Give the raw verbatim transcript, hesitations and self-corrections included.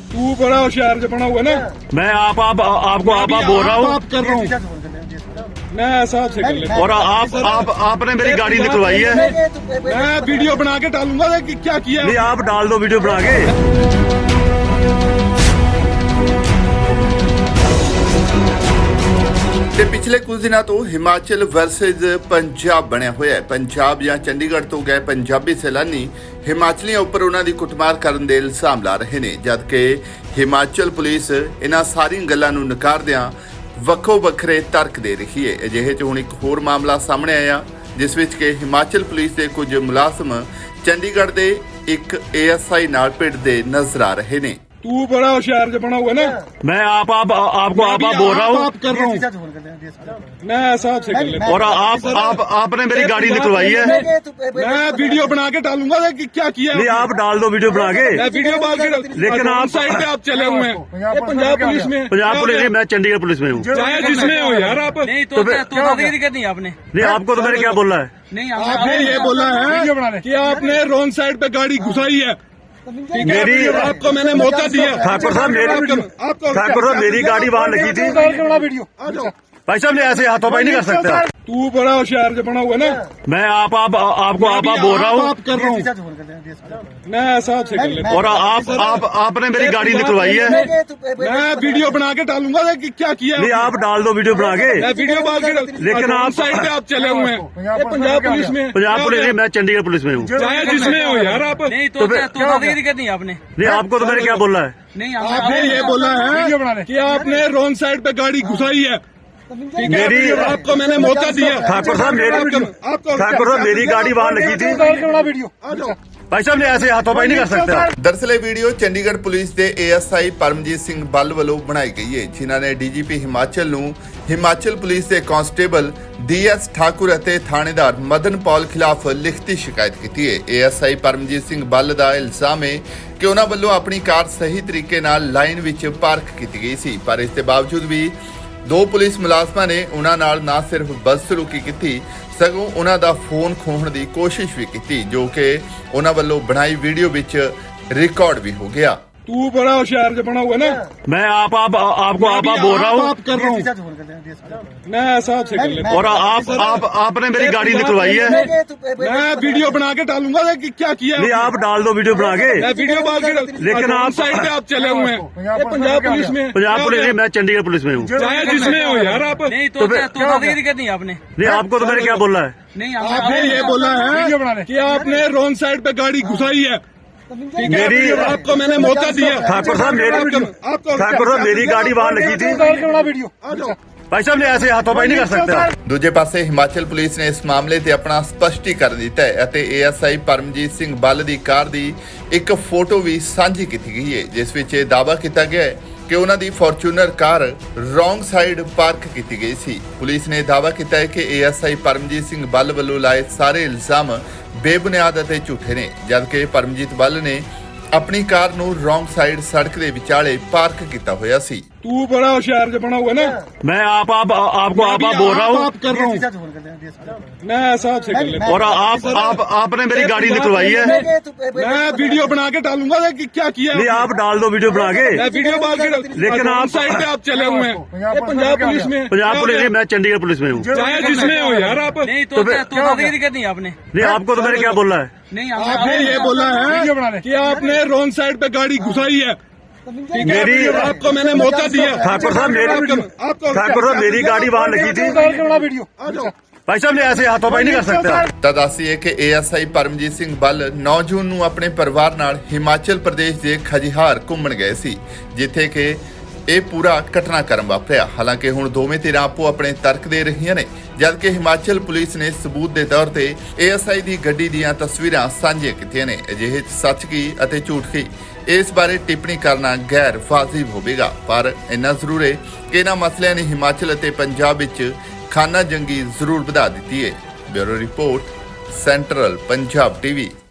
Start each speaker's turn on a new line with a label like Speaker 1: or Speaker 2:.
Speaker 1: तू बड़ा होशियार जो बना हुआ ना।
Speaker 2: मैं आप आप आपको आप आप बोल रहा हूँ
Speaker 1: आप कर रहा हूँ मैं ऐसा आपसे कर लेता हूँ।
Speaker 2: और आप आप आपने मेरी गाड़ी निकलवाई है।
Speaker 1: मैं वीडियो बना के डालूंगा कि क्या किया।
Speaker 2: नहीं आप डाल दो वीडियो बना के।
Speaker 3: ਤੇ ਪਿਛਲੇ ਕੁਝ ਦਿਨਾਂ ਤੋਂ ਹਿਮਾਚਲ ਵਰਸਸ ਪੰਜਾਬ ਬਣਿਆ ਹੋਇਆ ਹੈ। ਪੰਜਾਬ ਜਾਂ ਚੰਡੀਗੜ੍ਹ ਤੋਂ ਗਏ ਪੰਜਾਬੀ ਸੈਲਾਨੀ ਹਿਮਾਚਲੀਆਂ ਉੱਪਰ ਉਹਨਾਂ ਦੀ ਕੁੱਟਮਾਰ ਕਰਨ ਦੇ ਇਲਜ਼ਾਮ ਲਾ ਰਹੇ ਨੇ, ਜਦਕਿ ਹਿਮਾਚਲ ਪੁਲਿਸ ਇਹਨਾਂ ਸਾਰੀਆਂ ਗੱਲਾਂ ਨੂੰ ਨਕਾਰਦਿਆਂ ਵੱਖੋ ਵੱਖਰੇ ਤਰਕ ਦੇ ਰਹੀ ਹੈ। ਅਜਿਹੇ 'ਚ ਹੁਣ ਇੱਕ ਹੋਰ ਮਾਮਲਾ ਸਾਹਮਣੇ ਆਇਆ ਜਿਸ ਵਿੱਚ ਕਿ ਹਿਮਾਚਲ ਪੁਲਿਸ ਦੇ ਕੁਝ ਮੁਲਾਜ਼ਮ ਚੰਡੀਗੜ੍ਹ ਦੇ ਇੱਕ ਏ ਐਸ ਆਈ ਨਾਲ ਭਿੜਦੇ ਨਜ਼ਰ ਆ ਰਹੇ ਨੇ।
Speaker 1: तू बड़ा होशियार जो बना हुआ ना।
Speaker 2: मैं आप आप आपको आप आप बोल रहा हूँ
Speaker 1: आप कर रहा हूँ मैं ऐसा आपसे कर लेता हूँ।
Speaker 2: और आप आप आपने मेरी गाड़ी निकलवाई है।
Speaker 1: मैं वीडियो बना के डालूंगा कि क्या किया।
Speaker 2: नहीं आप डाल दो वीडियो बना के।
Speaker 1: मैं वीडियो बना के
Speaker 2: लेकिन आप
Speaker 1: साइड पे आप चले हुए हैं। ये पंजाब पुलिस में
Speaker 2: पंजाब पुलिस में, मैं चंडीगढ़ पुलिस में हूँ।
Speaker 1: चाहे जिसमें हो यार आप।
Speaker 4: नहीं तो तो दिक्कत नहीं आपने।
Speaker 2: नहीं आपको तो मैंने क्या बोला है।
Speaker 4: नहीं
Speaker 1: आपने ये बोला है कि आपने रॉन्ग साइड पे गाड़ी घुसाई है।
Speaker 2: मेरी
Speaker 1: आपको मैंने मौका दिया।
Speaker 2: ठाकुर साहब मेरी ठाकुर साहब मेरी गाड़ी वहाँ लगी थी। भाई साहब ने ऐसे हाथों पाई नहीं कर सकते।
Speaker 1: तू बड़ा होशियार जो बना हुआ ना।
Speaker 2: मैं आप आप आपको आप आप बोल रहा हूँ
Speaker 1: आप कर रहा हूँ मैं ऐसा आपसे कर लेता हूँ।
Speaker 2: और आप आप आपने मेरी गाड़ी निकलवाई है।
Speaker 1: मैं वीडियो बना के डालूंगा कि क्या किया।
Speaker 2: नहीं आप डाल दो वीडियो बना के।
Speaker 1: मैं वीडियो बना के
Speaker 2: लेकिन आप
Speaker 1: साइड पे आप चले हुए हैं। ये पंजाब पुलिस में
Speaker 2: पंजाब पुलिस में, मैं चंडीगढ़ पुलिस में हूँ।
Speaker 1: चाहे जिसमें हो यार आप।
Speaker 4: नहीं तो तो दिक्कत नहीं आपने।
Speaker 2: नहीं आपको तो मैंने क्या बोला है।
Speaker 4: नहीं
Speaker 1: आपने ये बोला है कि आपने रॉन्ग साइड पे गाड़ी घुसाई है।
Speaker 2: मेरी
Speaker 1: आपको मैंने मौका दिया।
Speaker 2: ठाकुर साहब मेरी ठाकुर साहब मेरी गाड़ी वहाँ लगी थी। भाई साहब ने ऐसे हाथों पाई नहीं कर सकते।
Speaker 3: ਦਰਅਸਲ ਇਹ ਵੀਡੀਓ ਚੰਡੀਗੜ੍ਹ ਪੁਲਿਸ ਦੇ A S I Paramjit Singh Bal ਵੱਲੋਂ ਬਣਾਈ ਗਈ ਹੈ, ਜਿਨ੍ਹਾਂ ਨੇ ਡੀ ਜੀ ਪੀ ਹਿਮਾਚਲ ਨੂੰ ਹਿਮਾਚਲ ਪੁਲਿਸ ਦੇ ਕਾਂਸਟੇਬਲ ਡੀ ਐਸ ਠਾਕੁਰ ਅਤੇ ਥਾਣੇਦਾਰ ਮਦਨ ਪੌਲ ਖਿਲਾਫ ਲਿਖਤੀ ਸ਼ਿਕਾਇਤ ਕੀਤੀ ਹੈ। A S I Paramjit Singh Bal ਦਾ ਇਲਜ਼ਾਮ ਹੈ ਕਿ ਉਹਨਾਂ ਵੱਲੋਂ ਆਪਣੀ ਕਾਰ ਸਹੀ ਤਰੀਕੇ ਨਾਲ ਲਾਈਨ ਵਿੱਚ ਪਾਰਕ ਕੀਤੀ ਗਈ ਸੀ, ਪਰ ਇਸ ਦੇ ਬਾਵਜੂਦ ਵੀ ਦੋ ਪੁਲਿਸ ਮੁਲਾਜ਼ਮਾਂ ਨੇ ਉਹਨਾਂ ਨਾਲ ਨਾ ਸਿਰਫ ਬਦਸਲੂਕੀ ਕੀਤੀ ਸਗੋਂ ਉਹਨਾਂ ਦਾ ਫੋਨ ਖੋਹਣ ਦੀ ਕੋਸ਼ਿਸ਼ ਵੀ ਕੀਤੀ, ਜੋ ਕਿ ਉਹਨਾਂ ਵੱਲੋਂ ਬਣਾਈ ਵੀਡੀਓ ਵਿੱਚ ਰਿਕਾਰਡ ਵੀ ਹੋ ਗਿਆ।
Speaker 1: तू बड़ा होशियार जो बना हुआ ना।
Speaker 2: मैं आप आप आपको आप आप बोल रहा हूँ
Speaker 1: आप कर रहा हूँ मैं ऐसा आपसे कर लेता हूँ।
Speaker 2: और आप आप आपने मेरी गाड़ी निकलवाई है।
Speaker 1: मैं वीडियो बना के डालूंगा कि क्या किया।
Speaker 2: नहीं आप डाल दो वीडियो बना के।
Speaker 1: मैं वीडियो बना के
Speaker 2: लेकिन आप
Speaker 1: साइड पे आप चले हुए हैं। ये पंजाब पुलिस में
Speaker 2: पंजाब पुलिस में, मैं चंडीगढ़ पुलिस में हूँ।
Speaker 1: चाहे जिसमें हो यार आप।
Speaker 4: नहीं तो तो दिक्कत नहीं आपने।
Speaker 2: नहीं आपको तो मैंने क्या बोला है।
Speaker 4: नहीं
Speaker 1: आपने ये बोला है कि आपने रॉन्ग साइड पे गाड़ी घुसाई है।
Speaker 2: मेरी
Speaker 1: आपको मैंने मौका दिया।
Speaker 2: ठाकुर साहब मेरी ठाकुर साहब मेरी गाड़ी वहाँ लगी थी। भाई साहब ने ऐसे हाथों पाई नहीं कर सकते।
Speaker 3: ਦੂਜੇ ਪਾਸੇ ਹਿਮਾਚਲ ਪੁਲਿਸ ਨੇ ਇਸ ਮਾਮਲੇ ਤੇ ਆਪਣਾ ਸਪਸ਼ਟੀਕਰਨ ਦਿੱਤਾ ਹੈ ਅਤੇ A S I Paramjit Singh Bal ਦੀ ਕਾਰ ਦੀ ਇੱਕ ਫੋਟੋ ਵੀ ਸਾਂਝੀ ਕੀਤੀ ਗਈ ਹੈ, ਜਿਸ ਵਿੱਚ ਇਹ ਦਾਅਵਾ ਕੀਤਾ ਗਿਆ ਹੈ ਕਿ ਉਹਨਾਂ ਦੀ Fortuner car wrong side park ਕੀਤੀ ਗਈ ਸੀ। ਪੁਲਿਸ ਨੇ ਦਾਅਵਾ ਕੀਤਾ ਹੈ ਕਿ A S I Paramjit Singh Bal ਵੱਲੋਂ ਲਾਏ ਸਾਰੇ ਇਲਜ਼ਾਮ ਬੇਬੁਨਿਆਦ ਅਤੇ ਝੂਠੇ ਨੇ, ਜਦਕਿ ਪਰਮਜੀਤ ਬੱਲ ਨੇ ਆਪਣੀ ਕਾਰ ਨੂੰ ਰੋਂਗ ਸਾਈਡ ਸੜਕ ਦੇ ਵਿਚਾਲੇ ਪਾਰਕ ਕੀਤਾ ਹੋਇਆ ਸੀ।
Speaker 1: तू बड़ा होशियार जो बना हुआ ना।
Speaker 2: मैं आप आप आपको आप आप बोल रहा हूँ
Speaker 1: आप कर रहा हूँ मैं ऐसा आपसे कर लेता हूँ।
Speaker 2: और आप आप आपने मेरी गाड़ी निकलवाई है।
Speaker 1: मैं वीडियो बना के डालूंगा कि क्या किया।
Speaker 2: नहीं आप डाल दो वीडियो बना के।
Speaker 1: मैं वीडियो बना के
Speaker 2: लेकिन आप
Speaker 1: साइड पे आप चले हुए हैं। ये पंजाब पुलिस में
Speaker 2: पंजाब पुलिस में, मैं चंडीगढ़ पुलिस में हूँ।
Speaker 1: चाहे जिसमें हो यार आप।
Speaker 4: नहीं तो तो दिक्कत नहीं आपने।
Speaker 2: नहीं आपको तो मैंने क्या बोला है।
Speaker 4: नहीं
Speaker 1: आपने ये बोला है कि आपने रॉन्ग साइड पे गाड़ी घुसाई है।
Speaker 2: मेरी
Speaker 1: आपको मैंने मौका दिया।
Speaker 2: ठाकुर साहब मेरी ठाकुर साहब मेरी गाड़ी वहाँ लगी थी। भाई साहब ने ऐसे हाथों पाई नहीं कर सकते।
Speaker 3: ਤਾਂ ਦੱਸੀਏ ਕਿ A S I Paramjit Singh Bal ਨੌ ਜੂਨ ਨੂੰ ਆਪਣੇ ਪਰਿਵਾਰ ਨਾਲ ਹਿਮਾਚਲ ਪ੍ਰਦੇਸ਼ ਦੇ ਖਜਿਹਾਰ ਘੁੰਮਣ ਗਏ ਸੀ, ਜਿੱਥੇ ਕਿ ਇਹ ਪੂਰਾ ਘਟਨਾਕ੍ਰਮ ਵਾਪਰਿਆ। ਹਾਲਾਂਕਿ ਹੁਣ ਦੋਵੇਂ ਧਿਰਾਂ ਆਪੋ ਆਪਣੇ ਤਰਕ ਦੇ ਰਹੀਆਂ ਨੇ, ਜਦਕਿ ਹਿਮਾਚਲ ਪੁਲਿਸ ਨੇ ਸਬੂਤ ਦੇ ਤੌਰ ਤੇ ਏ ਐਸ ਆਈ ਦੀ ਗੱਡੀ ਦੀਆਂ ਤਸਵੀਰਾਂ ਸਾਂਝੀਆਂ ਕੀਤੀਆਂ ਨੇ। ਅਜਿਹੇ 'ਚ ਸੱਚ ਕੀ ਅਤੇ ਝੂਠ ਕੀ, ਇਸ ਬਾਰੇ ਟਿੱਪਣੀ ਕਰਨਾ ਗੈਰ ਵਾਜਿਬ ਹੋਵੇਗਾ, ਪਰ ਇੰਨਾ ਜ਼ਰੂਰ ਹੈ ਕਿ ਇਹਨਾਂ ਮਸਲਿਆਂ ਨੇ ਹਿਮਾਚਲ ਅਤੇ ਪੰਜਾਬ ਵਿੱਚ ਖਾਨਾ ਜੰਗੀ ਜ਼ਰੂਰ ਵਧਾ ਦਿੱਤੀ ਹੈ। Bureau report, central Punjab TV.